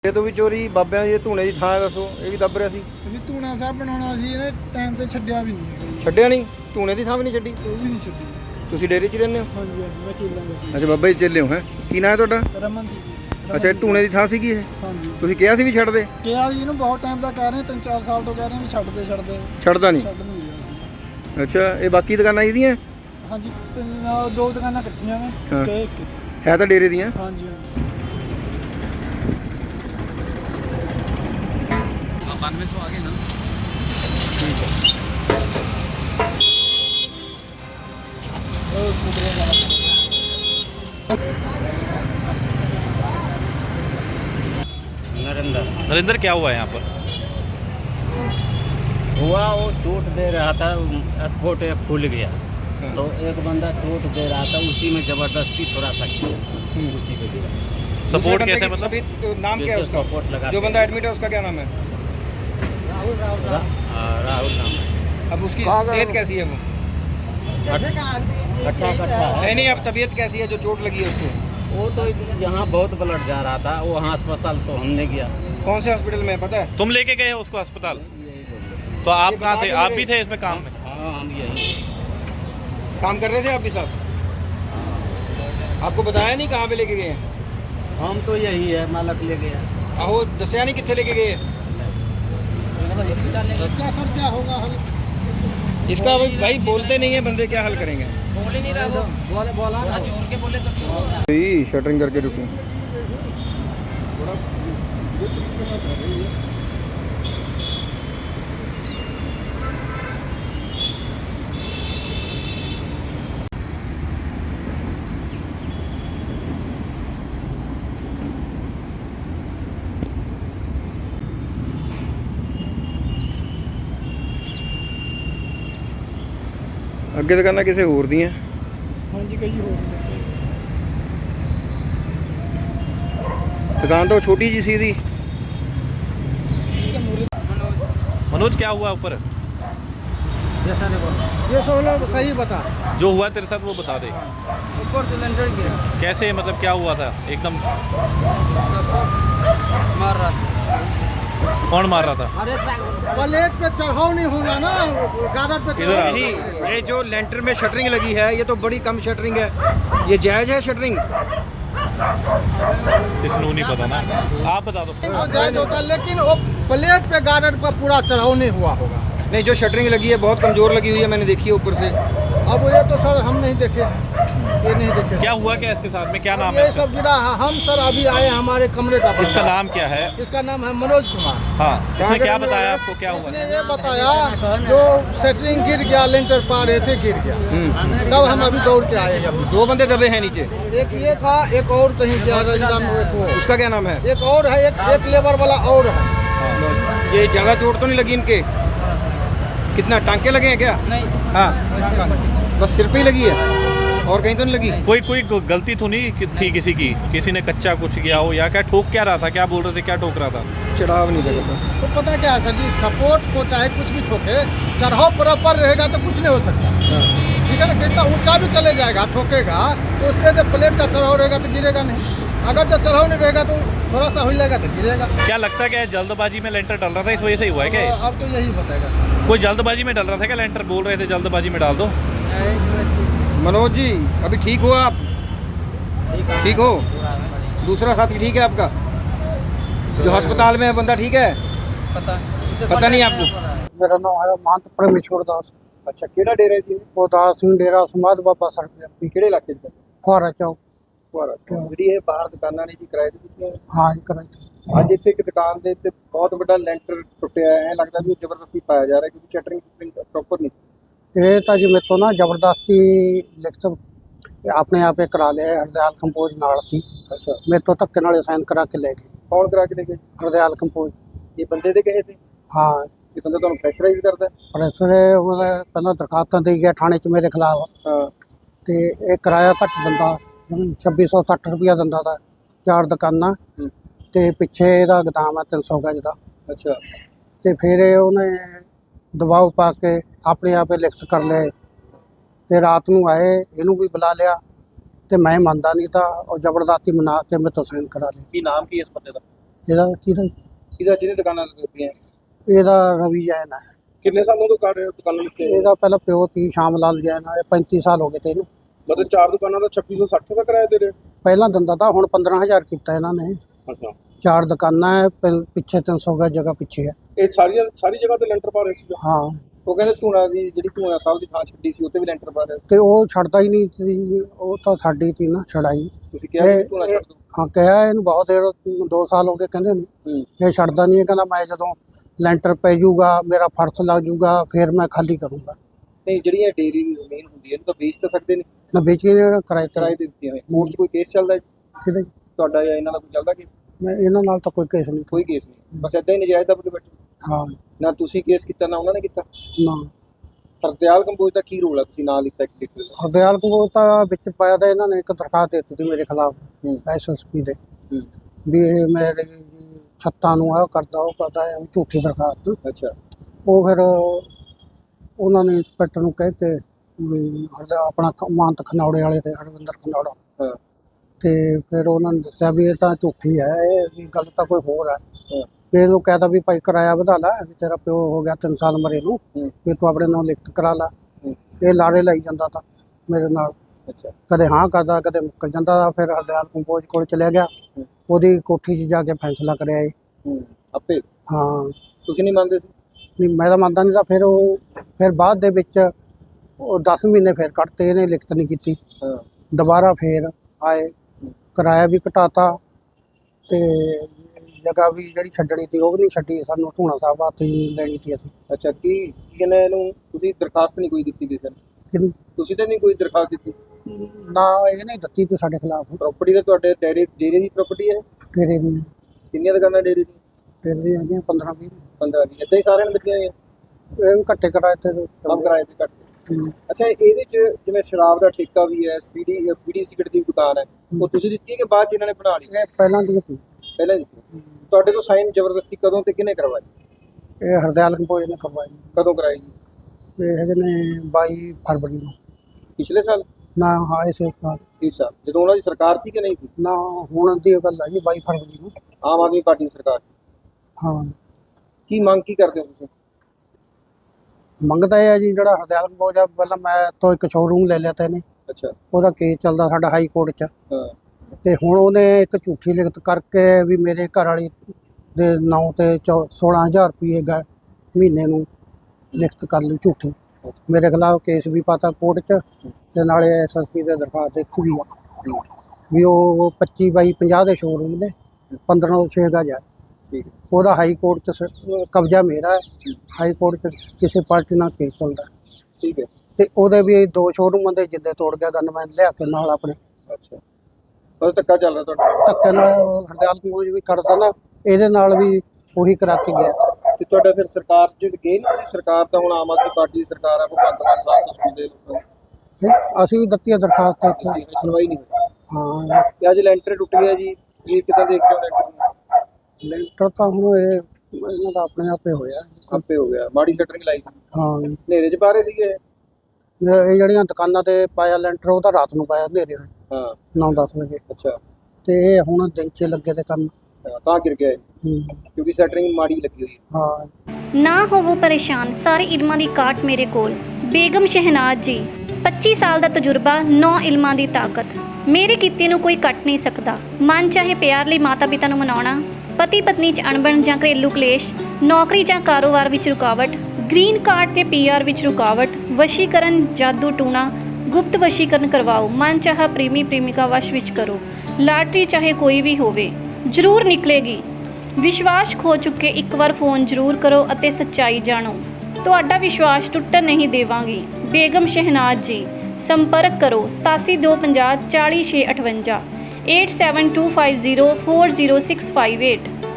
ਇਹ ਤੋਂ ਵੀ ਚੋਰੀ ਬਾਬਿਆਂ ਦੀ ਧੂਣੇ ਦੀ ਥਾਂ ਦੱਸੋ, ਇਹ ਵੀ ਦੱਬ ਰਿਹਾ ਸੀ। ਵੀ ਧੂਣਾ ਸਾਹਿਬ ਬਣਾਉਣਾ ਸੀ ਇਹਨੇ ਟਾਈਮ ਤੇ ਛੱਡਿਆ ਵੀ ਨਹੀਂ। ਛੱਡਿਆ ਨਹੀਂ, ਧੂਣੇ ਦੀ ਥਾਂ ਵੀ ਨਹੀਂ ਛੱਡੀ। ਉਹ ਵੀ ਨਹੀਂ ਛੱਡੀ। ਤੁਸੀਂ ਡੇਰੇ 'ਚ ਰਹਿੰਦੇ ਹੋ? ਹਾਂਜੀ ਹਾਂਜੀ, ਮੈਂ ਚੇਲਾ। ਅੱਛਾ, ਬਾਬਾ ਜੀ ਚੇਲੇ ਹੋ ਹੈ। ਕੀ ਨਾਂ ਹੈ ਤੁਹਾਡਾ? ਰਮਨਦੀਪ। ਅੱਛਾ, ਇਹ ਧੂਣੇ ਦੀ ਥਾਂ ਸੀਗੀ ਇਹ? ਹਾਂਜੀ। ਤੁਸੀਂ ਕਿਹਾ ਸੀ ਵੀ ਛੱਡ ਦੇ? ਕਿਹਾ ਜੀ ਇਹਨੂੰ ਬਹੁਤ ਟਾਈਮ ਦਾ ਕਹਿ ਰਹੇ, 3-4 ਸਾਲ ਤੋਂ ਕਹਿ ਰਹੇ ਵੀ ਛੱਡ ਦੇ। ਛੱਡਦਾ ਨਹੀਂ? ਛੱਡ ਨਹੀਂ ਰਿਹਾ। ਅੱਛਾ, ਇਹ ਬਾਕੀ ਦੁਕਾਨਾਂ ਇਹਦੀਆਂ? ਹਾਂਜੀ, ਦੋ ਦੁਕਾਨਾਂ ਇਕੱਠੀਆਂ ਨੇ ਹਾਂ। ਤੇ ਹੈ ਤਾਂ ਡੇਰੇ ਦੀਆਂ? ਹਾਂਜੀ ਹਾਂਜੀ। 9200 आ गए ना। ठीक है। नरेंद्र क्या हुआ है यहाँ पर? हुआ वो टूट दे रहा था, स्पोर्ट एक खुल गया तो एक बंदा टूट दे रहा था, उसी में जबरदस्ती थोड़ा सा किया, उसी को गिरा। सपोर्ट कैसे मतलब? नाम क्या है उसका? सपोर्ट लगा जो बंदा एडमिट है उसका क्या नाम है? राहुल नाम है। अब उसकी सेहत कैसी है? वो कट्टा है। नहीं, अब तबीयत कैसी है जो चोट लगी है उसको? वो तो यहाँ बहुत ब्लड जा रहा था, वो वहाँ अस्पताल तो हमने गया। कौन से हॉस्पिटल में है पता है? तुम लेके गए हो उसको अस्पताल? तो आप कहाँ थे? आप भी थे इसमें काम में? हाँ, हम यही काम कर रहे थे आप भी साथ? आपको बताया नहीं कहाँ पे लेके गए हैं? हम तो यही है, मालक ले गया। आहो दसिया नहीं कितने लेके गए? इसका असर क्या होगा? हल इसका भाई बोलते नहीं है बंदे, क्या हल करेंगे? बोल ही नहीं रहा वो, बोला ना जोर के बोले तो शटरिंग करके रुकी। ਅੱਗੇ ਦੁਕਾਨਾਂ ਕਿਸੇ ਹੋਰ ਦੀਆਂ? ਹਾਂਜੀ, ਕਈ ਹੋਰ ਨੇ। दुकान तो छोटी जी सी थी। मनोज क्या हुआ ऊपर? ये सब लोग सही बता। जो हुआ तेरे साथ वो बता दे। ऊपर सिलेंडर गिरा, कैसे मतलब क्या हुआ था एकदम? मार रहा था। कौन मार रहा था? प्लेट पे चढ़ाव नहीं होना ना, गार्डर पे इधर आओ। नहीं, ये जो लेंटर में शटरिंग लगी है ये तो बड़ी कम शटरिंग है, ये जायज़ है शटरिंग? इसको नहीं पता ना, आप बता दो। जायज होता है, लेकिन वो प्लेट पे गार्डर पर पूरा चढ़ाव नहीं हुआ होगा। नहीं, जो शटरिंग लगी है बहुत कमज़ोर लगी हुई है, मैंने देखी है ऊपर से। अब ये तो सर हम नहीं देखे, ये नहीं देखे। क्या हुआ क्या इसके साथ में? क्या नाम ये है? सब गिरा है। हम सर अभी आए हमारे कमरे का बंदा। इसका नाम क्या है? इसका नाम है मनोज कुमार। हाँ, इसने क्या बताया आपको क्या हुआ? इसने ये बताया जो सेटरिंग गिर गया, लेंटर पा रहे थे गिर गया, तब हम अभी दौड़ के आए। अभी दो बंदे दबे हैं नीचे, एक ये था, एक और कहीं गया रजगा में, एक वो। उसका क्या नाम है? एक और है, एक लेबर वाला और है। ये ज़्यादा चोट तो नहीं लगी इनके? कितना टांके लगे हैं क्या? नहीं, हाँ, बस सिर पे ही लगी है और कहीं तो नहीं लगी? कोई गलती तो नहीं थी किसी की? किसी ने कच्चा कुछ किया हो या क्या ठोक क्या रहा था? क्या बोल रहे थे? क्या ठोक रहा था? चढ़ाव नहीं जगह था। तो पता क्या है सर जी, सपोर्ट को चाहे कुछ भी ठोके, चढ़ाव प्रॉपर रहेगा तो कुछ नहीं हो सकता। ठीक है ना, कितना ऊंचा भी चले जाएगा, ठोकेगा तो उस पर जब प्लेट का चढ़ाव रहेगा तो गिरेगा नहीं। अगर जब चढ़ाव नहीं रहेगा तो थोड़ा सा हिलेगा तो गिरेगा। क्या लगता है क्या जल्दबाजी में लेंटर डल रहा था, इस वजह से ही हुआ है क्या? अब तो यही बताएगा सर। कोई जल्दबाजी में डल रहा था क्या? लेंटर बोल रहे थे जल्दबाजी में डाल दो। मनोज जी अभी ठीक हो आप? ठीक हो? दूसरा साथी ठीक है आपका जो अस्पताल में है, बंदा ठीक है? पता नहीं आपको? मेरा नाम है महंत परमेश्वर दास। अच्छा, केड़ा डेरा जी? वो दास सिंह डेरा समाज बाबा सर पे ਕਿਹੜੇ ਇਲਾਕੇ 'ਚ? फुहारा चौक। ਫੁਹਾਰਾ। ਜਿਹੜੀ ਇਹ ਬਾਹਰ ਦੁਕਾਨਾਂ ਨੇ ਜੀ ਕਿਰਾਏ ਤੇ ਦਿੱਤੀਆਂ? हाँ जी, कराई थी। ਅੱਜ ਇੱਥੇ ਇੱਕ ਦੁਕਾਨ ਦੇ ਉੱਤੇ ਬਹੁਤ ਵੱਡਾ ਲੈਂਟਰ ਟੁੱਟਿਆ ਹੈ, ਲੱਗਦਾ ਵੀ ਉਹ ਜ਼ਬਰਦਸਤੀ ਪਾਇਆ ਜਾ ਰਿਹਾ ਕਿਉਂਕਿ ਸ਼ਟਰਿੰਗ ਪ੍ਰੋਪਰ ਨਹੀਂ। ये तो जी मेरे तो ना जबरदस्ती लिखत अपने आप करा लिया, हरदयाल कंपोज नाल थी। अच्छा, मेरे तो धक्के नाल साइन करा के ले गए ਕੌਣ ਕਰਾ ਕੇ ਲੈ ਗਏ? हरदयाल कंपोज। ਇਹ ਬੰਦੇ ਦੇ ਕਹੇ ਤੇ हाँ, ਇਹ ਬੰਦਾ ਤੁਹਾਨੂੰ ਪ੍ਰੈਸ਼ਰਾਈਜ਼ ਕਰਦਾ ਹੈ? प्रेसर कहना दरखास्तां दे गया थाने च मेरे खिलाफ, ਹਾਂ, ते ये किराया घट दिंदा, 2660 रुपया दिंदा था, 4 दुकानां ते पिछे इहदा गोदाम है 300 गज दा। अच्छा, ते फिर उन्हें दबाव पा के अपने आप लिखत कर ले, ते रात नूं आए, इनू भी बुला लिया ते मैं मनदा नहीं था और जबरदस्ती मना के मेरे तो साइन करा ले। की नाम की इस बंदे का? ਇਹਦਾ ਕਿਹਦਾ ਇਹਦਾ ਜਿਹਨੇ ਦੁਕਾਨਾਂ ਲੱਗੀਆਂ ਇਹਦਾ ਰਵੀ ਜੈਨ ਹੈ। ਕਿੰਨੇ ਸਾਲੋਂ ਤੋਂ ਕਰ ਰਹੇ ਹੋ ਦੁਕਾਨਾਂ ਲਿਖੇ ਇਹਦਾ ਪਹਿਲਾਂ ਪਿਓ ਤੀ ਸ਼ਾਮ ਲਾਲ ਜੈਨ ਹੈ। 35 ਸਾਲ ਹੋ ਗਏ ਤੇ ਇਹਨੂੰ। ਮਤਲਬ 4 ਦੁਕਾਨਾਂ ਦਾ 2660 ਦਾ ਕਿਰਾਇਆ ਦੇ ਰਹੇ ਹੋ? ਪਹਿਲਾਂ ਦਿੰਦਾ ਤਾਂ ਹੁਣ 15,000 ਕੀਤਾ ਇਹਨਾਂ ਨੇ। ਅੱਛਾ 4 ਦੁਕਾਨਾਂ ਹੈ, ਪਿੱਛੇ 300 ਗਜ ਜਗ੍ਹਾ ਪਿੱਛੇ ਹੈ। ਇਹ ਸਾਰੀ ਜਗ੍ਹਾ ਤੇ ਲੈਂਟਰ ਪਾ ਰਹੇ ਸੀ? ਹਾਂ ਉਹ ਕਹਿੰਦੇ ਧੂਣਾ ਦੀ ਜਿਹੜੀ ਧੂਣਾ ਸਾਹਿਬ ਦੀ ਥਾਂ ਛੱਡੀ ਸੀ ਉੱਤੇ ਵੀ ਲੈਂਟਰ ਪਾ ਰਹੇ ਤੇ ਉਹ ਛੱਡਦਾ ਹੀ ਨਹੀਂ ਸੀ, ਉਹ ਤਾਂ ਸਾਡੀ ਤੀ ਨਾ ਛੜਾਈ। ਤੁਸੀਂ ਕਿਹਾ ਸੀ ਧੂਣਾ ਛੱਡ ਦਿਓ। ਹਾਂ ਕਿਹਾ ਇਹਨੂੰ ਬਹੁਤ ਦੇਰ 2 ਸਾਲ ਹੋ ਗਏ ਕਹਿੰਦੇ ਨੂੰ। ਇਹ ਛੱਡਦਾ ਨਹੀਂ, ਇਹ ਕਹਿੰਦਾ ਮੈਂ ਜਦੋਂ ਲੈਂਟਰ ਪੈ ਜਾਊਗਾ ਮੇਰਾ ਫਰਸ਼ ਲੱਗ ਜਾਊਗਾ ਫਿਰ ਮੈਂ ਖਾਲੀ ਕਰੂੰਗਾ। ਨਹੀਂ ਜਿਹੜੀਆਂ ਡੇਰੀ ਦੀ ਜ਼ਮੀਨ ਹੁੰਦੀ ਹੈ ਇਹਨੂੰ ਤਾਂ ਵੇਚ ਤਾਂ ਸਕਦੇ ਨੇ, ਮੈਂ ਵੇਚ ਕੇ ਕਿਰਾਏ ਕਿਰਾਏ ਤੇ ਦਿੱਤੀਆਂ ਹੋਈਆਂ। ਕੋਰਟ 'ਚ ਕੋਈ ਕੇਸ ਚੱਲਦਾ ਹੈ ਕਿਤੇ ਤੁਹਾਡਾ ਜਾਂ ਇਹਨਾਂ ਦਾ ਕੋਈ ਚੱਲਦਾ ਕਿ ਮੈਂ ਇਹਨਾਂ ਨਾਲ ਤਾਂ ਕੋਈ ਕੇਸ ਨਹੀਂ। ਕੋਈ ਕੇਸ ਨਹੀਂ, ਬਸ ਏਦਾਂ ਹੀ ਨਜਾਇਜ਼ ਦਾ ਬੈਠੇ। ਹਾਂ ਨਾ ਤੁਸੀਂ ਕੇਸ ਕੀਤਾ ਨਾ ਉਹਨਾਂ ਨੇ ਕੀਤਾ। ਨਾ ਹਰਦਿਆਲ ਕੰਬੋਜ ਦਾ ਕੀ ਰੋਲ ਹੈ, ਤੁਸੀਂ ਨਾਂ ਲਿੱਤਾ ਇੱਕ ਲੀਟਰ ਦਾ? ਹਰਦਿਆਲ ਕੋਲ ਤਾਂ ਵਿੱਚ ਪਾਇਆ ਤਾਂ ਇਹਨਾਂ ਨੇ ਇੱਕ ਦਰਖਾਸਤ ਦਿੱਤੀ ਸੀ ਮੇਰੇ ਖਿਲਾਫ SSP ਦੇ ਵੀ ਇਹ ਮੇਰੇ ਛੱਤਾਂ ਨੂੰ ਆਹ ਕਰਦਾ ਉਹ ਕਰਦਾ ਹੈ, ਝੂਠੀ ਦਰਖਾਸਤ। ਅੱਛਾ ਉਹ ਫਿਰ ਉਹਨਾਂ ਨੇ ਇੰਸਪੈਕਟਰ ਨੂੰ ਕਹਿ ਕੇ ਵੀ ਆਪਣਾ ਮਾਨਤ ਖਨੌੜੇ ਵਾਲੇ ਤੇ ਹਰਵਿੰਦਰ ਖਨੌੜਾ ਹਾਂ ਤੇ ਫਿਰ ਉਹਨਾਂ ਨੇ ਦੱਸਿਆ ਵੀ ਇਹ ਤਾਂ ਝੂਠੀ ਹੈ, ਇਹ ਵੀ ਗੱਲ ਤਾਂ ਕੋਈ ਹੋਰ ਹੈ। ਹਾਂ ਫਿਰ ਇਹਨੂੰ ਕਹਿਤਾ ਵੀ ਭਾਈ ਕਿਰਾਇਆ ਵਧਾ ਲੈ, ਵੀ ਤੇਰਾ ਪਿਓ ਹੋ ਗਿਆ 3 ਸਾਲ ਮਰੇ ਨੂੰ, ਵੀ ਤੂੰ ਆਪਣੇ ਨਾਲ ਲਿਖਤ ਕਰਾ ਲਾ। ਇਹ ਲਾੜੇ ਲਾਈ ਜਾਂਦਾ ਤਾਂ ਮੇਰੇ ਨਾਲ, ਅੱਛਾ ਕਦੇ ਹਾਂ ਕਰਦਾ ਕਦੇ ਮੁੱਕਰ ਜਾਂਦਾ। ਫਿਰ ਹਰਦਿਆਲ ਕੰਬੋਜ ਕੋਲ ਚਲਿਆ ਗਿਆ, ਉਹਦੀ ਕੋਠੀ 'ਚ ਜਾ ਕੇ ਫੈਸਲਾ ਕਰਿਆ ਇਹ। ਆਪੇ ਹਾਂ ਤੁਸੀਂ ਨਹੀਂ ਮੰਨਦੇ ਸੀ? ਨਹੀਂ ਮੈਂ ਤਾਂ ਮੰਨਦਾ ਨਹੀਂ ਤਾਂ ਫਿਰ ਬਾਅਦ ਦੇ ਵਿੱਚ ਉਹ 10 ਮਹੀਨੇ ਫਿਰ ਕੱਟਤੇ, ਇਹਨੇ ਲਿਖਤ ਨਹੀਂ ਕੀਤੀ। ਹਾਂ ਦੁਬਾਰਾ ਫਿਰ ਆਏ, ਕਿਰਾਇਆ ਵੀ ਘਟਾਤਾ ਤੇ ਜਗ੍ਹਾ ਵੀ ਜਿਹੜੀ ਛੱਡਣੀ ਸੀ ਉਹ ਵੀ ਨਹੀਂ ਛੱਡੀ। ਸਾਨੂੰ ਧੂਣਾ ਸਾਹਿਬ ਹੱਥ ਹੀ ਲੈਣੀ ਸੀ ਅਸੀਂ। ਅੱਛਾ ਕੀ ਕਹਿੰਦੇ ਇਹਨੂੰ ਤੁਸੀਂ ਦਰਖਾਸਤ ਨਹੀਂ ਕੋਈ ਦਿੱਤੀ ਕਿਸੇ ਨੇ? ਕਿਹਦੀ ਤੁਸੀਂ ਤਾਂ ਨਹੀਂ ਕੋਈ ਦਰਖਾਸਤ ਦਿੱਤੀ? ਨਾ ਇਹ ਨਹੀਂ ਦਿੱਤੀ ਤੇ ਸਾਡੇ ਖਿਲਾਫ। ਪ੍ਰਾਪਰਟੀ ਤਾਂ ਤੁਹਾਡੇ ਡੇਰੇ ਦੀ ਪ੍ਰਾਪਰਟੀ ਹੈ? ਤੇਰੇ ਵੀ ਕਿੰਨੀਆਂ ਦੁਕਾਨਾਂ ਡੇਰੇ ਦੀ? ਫਿਰ ਵੀ ਹੈਗੀਆਂ 15-20। 15 ਏਦਾਂ ਹੀ ਸਾਰਿਆਂ ਨੇ ਦਿੱਤੀਆਂ ਹੋਈਆਂ? ਇਹ ਵੀ ਘੱਟੇ ਕਿਰਾਏ ਤੇ ਸਭ ਕਿਰਾਏ ਤੇ ਘੱਟ। ਅੱਛਾ ਇਹਦੇ 'ਚ ਜਿਵੇਂ ਸ਼ਰਾਬ ਦਾ ਠੇਕਾ ਵੀ ਹੈ, ਬੀੜੀ ਸਿਗਰਟ ਦੀ ਦੁਕਾਨ ਹੈ, ਉਹ ਤੁਸੀਂ ਦਿੱਤੀ ਹੈ ਕਿ ਬਾਅਦ 'ਚ ਇਹਨਾਂ ਨੇ ਬਣਾ ਲਈ? ਇਹ ਪਹਿਲਾਂ ਦੀ ਸੀ। ਪਹਿਲਾਂ ਦਿੱਤੀ। ਤੁਹਾਡੇ ਤੋਂ ਸਾਈਨ ਜ਼ਬਰਦਸਤੀ ਕਦੋਂ ਤੇ ਕਿਹਨੇ ਕਰਵਾਈ? ਇਹ ਹਰਦਿਆਲ ਕੰਬੋਜ ਨੇ ਕਰਵਾਈ। ਕਦੋਂ ਕਰਾਈ ਜੀ? ਇਹ ਹੈਗੇ ਨੇ 22 ਫਰਵਰੀ ਨੂੰ। ਪਿਛਲੇ ਸਾਲ? ਨਾ ਹਾਂ ਇਸੇ ਸਾਲ। ਇਸ ਸਾਲ ਜਦੋਂ ਉਹਨਾਂ ਦੀ ਸਰਕਾਰ ਸੀ ਕਿ ਨਹੀਂ ਸੀ? ਨਾ ਹੁਣ ਦੀ ਗੱਲ ਹੈ ਜੀ 22 ਫਰਵਰੀ ਨੂੰ। ਆਮ ਆਦਮੀ ਪਾਰਟੀ ਦੀ ਸਰਕਾਰ ਸੀ। ਹਾਂ ਕੀ ਮੰਗ ਕੀ ਕਰਦੇ ਹੋ ਤੁਸੀਂ? ਮੰਗਦਾ ਇਹ ਹੈ ਜੀ ਜਿਹੜਾ ਹਰਦਿਆਲ ਕੰਬੋਜ ਆ, ਪਹਿਲਾਂ ਮੈਂ ਤੋਂ ਇੱਕ ਸ਼ੋਰੂਮ ਲੈ ਲਿਆ ਤਾ ਇਹਨੇ, ਅੱਛਾ ਉਹਦਾ ਕੇਸ ਚੱਲਦਾ ਸਾਡਾ ਹਾਈ ਕੋਰਟ 'ਚ। ਹਾਂ ਤੇ ਹੁਣ ਉਹਨੇ ਇੱਕ ਝੂਠੀ ਲਿਖਤ ਕਰਕੇ ਵੀ ਮੇਰੇ ਘਰ ਵਾਲੀ ਦੇ ਨਾਂ ਤੇ 16,000 ਰੁਪਏ ਗਏ ਮਹੀਨੇ ਨੂੰ ਲਿਖਤ ਕਰ ਲਈ ਝੂਠੀ। ਮੇਰੇ ਖਿਲਾਫ ਕੇਸ ਵੀ ਪਾਤਾ ਕੋਰਟ 'ਚ ਤੇ ਨਾਲੇ SSP ਦੇ ਦਰਖਾਸਤ ਦਿੱਤੀ ਵੀ ਆ ਵੀ ਉਹ 25 ਬਾਈ 50 ਦੇ ਸ਼ੋਰੂਮ ਨੇ 1506 ਗਜ ਹੈ। ਠੀਕ ਹੈ। ਉਹਦਾ ਹਾਈ ਕੋਰਟ 'ਚ ਕਬਜ਼ਾ ਮੇਰਾ ਹੈ, ਹਾਈ ਕੋਰਟ 'ਚ ਕਿਸੇ ਪਾਰਟੀ ਨਾਲ ਕੇਸ ਚੱਲਦਾ। ਠੀਕ ਹੈ। ਤੇ ਉਹਦੇ ਵੀ 2 ਸ਼ੋਰੂਮਾਂ ਦੇ ਜਿੰਦੇ ਤੋੜ ਗਿਆ ਗਨਮੈਨ ਲਿਆ ਕੇ ਨਾਲ ਆਪਣੇ। ਅੱਛਾ ਉਹ ਧੱਕਾ ਚੱਲ ਰਿਹਾ ਤੁਹਾਡਾ? ਧੱਕੇ ਨਾਲ ਹਰਦਿਆਲ ਕੰਬੋਜ ਵੀ ਕਰਦਾ ਨਾ, ਇਹਦੇ ਨਾਲ ਵੀ ਉਹੀ ਕਰਾ ਕੇ ਗਿਆ। ਤੇ ਤੁਹਾਡਾ ਫਿਰ ਸਰਕਾਰ 'ਚ ਗਏ ਨਹੀਂ ਸੀ? ਸਰਕਾਰ ਤਾਂ ਹੁਣ ਆਮ ਆਦਮੀ ਪਾਰਟੀ ਦੀ ਸਰਕਾਰ ਆ, ਭਗਵੰਤ ਮਾਨ ਸਾਹਿਬ ਤੋਂ ਸੁਣਦੇ ਲੋਕਾਂ ਨੂੰ। ਅਸੀਂ ਵੀ ਦਿੱਤੀ ਦਰਖਾਸਤ ਇੱਥੇ। ਸੁਣਵਾਈ ਨਹੀਂ ਹੋਈ। ਹਾਂ ਤੇ ਅੱਜ ਲੈਂਟਰ ਟੁੱਟ ਗਿਆ ਜੀ, ਇਹ ਕਿੱਦਾਂ ਦੇਖ ਰਹੇ ਹੋ ਲੈਂਟਰ ਨੂੰ? ਲੈਂਟਰ ਤਾਂ ਹੁਣ ਇਹ ਇਹਨਾਂ ਦਾ ਆਪਣੇ ਆਪੇ ਹੋਇਆ। ਆਪੇ ਹੋ ਗਿਆ, ਮਾੜੀ ਸ਼ਟਰਿੰਗ ਲਾਈ ਸੀ, ਹਾਂ ਹਨੇਰੇ 'ਚ ਪਾ ਰਹੇ ਸੀਗੇ। ਇਹ ਜਿਹੜੀਆਂ ਦੁਕਾਨਾਂ ਤੇ ਪਾਇਆ ਲੈਂਟਰ ਉਹ ਤਾਂ ਰਾਤ ਨੂੰ ਪਾਇਆ ਹਨੇਰੇ ਹੋਏ ਹਾਂ 9-10 ਵਜੇ। ਅੱਛਾ ਤੇ ਇਹ ਹੁਣ ਦਿਨ 'ਚ ਲੱਗੇ ਤੇ ਕਰਨ। ਤਾਂ ਗਿਰ ਗਿਆ ਇਹ, ਕਿਉਂਕਿ ਸ਼ਟਰਿੰਗ ਮਾੜੀ ਲੱਗੀ ਹੋਈ ਹੈ। ਹਾਂ ਨਾ ਹੋਵੋ ਪਰੇਸ਼ਾਨ, ਸਾਰੇ ਇਲਮਾਂ ਦੀ ਕਾਟ ਮੇਰੇ ਕੋਲ। ਬੇਗਮ ਸ਼ਹਿਨਾਜ਼ ਜੀ, 25 ਸਾਲ ਦਾ ਤਜਰਬਾ, 9 ਇਲਮਾਂ ਦੀ ਤਾਕਤ। ਮੇਰੇ ਕੀਤੇ ਨੂੰ ਕੋਈ ਕੱਟ ਨਹੀਂ ਸਕਦਾ। ਮਨ ਚਾਹੇ ਪਿਆਰ ਲਈ ਮਾਤਾ ਪਿਤਾ ਨੂੰ ਮਨਾਉਣਾ, ਪਤੀ ਪਤਨੀ 'ਚ ਅਣਬਣ ਜਾਂ ਘਰੇਲੂ ਕਲੇਸ਼, ਨੌਕਰੀ ਜਾਂ ਕਾਰੋਬਾਰ ਵਿੱਚ ਰੁਕਾਵਟ, ਗ੍ਰੀਨ ਕਾਰਡ ਤੇ PR ਵਿੱਚ ਰੁਕਾਵਟ, ਵਸ਼ੀਕਰਨ, ਜਾਦੂ ਟੂਣਾ, ਗੁਪਤ ਵਸ਼ੀਕਰਨ ਕਰਵਾਓ, ਮਨ ਚਾਹਾ ਪ੍ਰੇਮੀ ਪ੍ਰੇਮਿਕਾ ਵਸ਼ ਵਿੱਚ ਕਰੋ, ਲਾਟਰੀ ਚਾਹੇ ਕੋਈ ਵੀ ਹੋਵੇ ਜ਼ਰੂਰ ਨਿਕਲੇਗੀ। ਵਿਸ਼ਵਾਸ ਖੋ ਚੁੱਕੇ ਇੱਕ ਵਾਰ ਫੋਨ ਜ਼ਰੂਰ ਕਰੋ ਅਤੇ ਸੱਚਾਈ ਜਾਣੋ। ਤੁਹਾਡਾ ਵਿਸ਼ਵਾਸ ਟੁੱਟਣ ਨਹੀਂ ਦੇਵਾਂਗੀ। ਬੇਗਮ ਸ਼ਹਿਨਾਜ਼ ਜੀ, ਸੰਪਰਕ ਕਰੋ 8725040658 8725040658।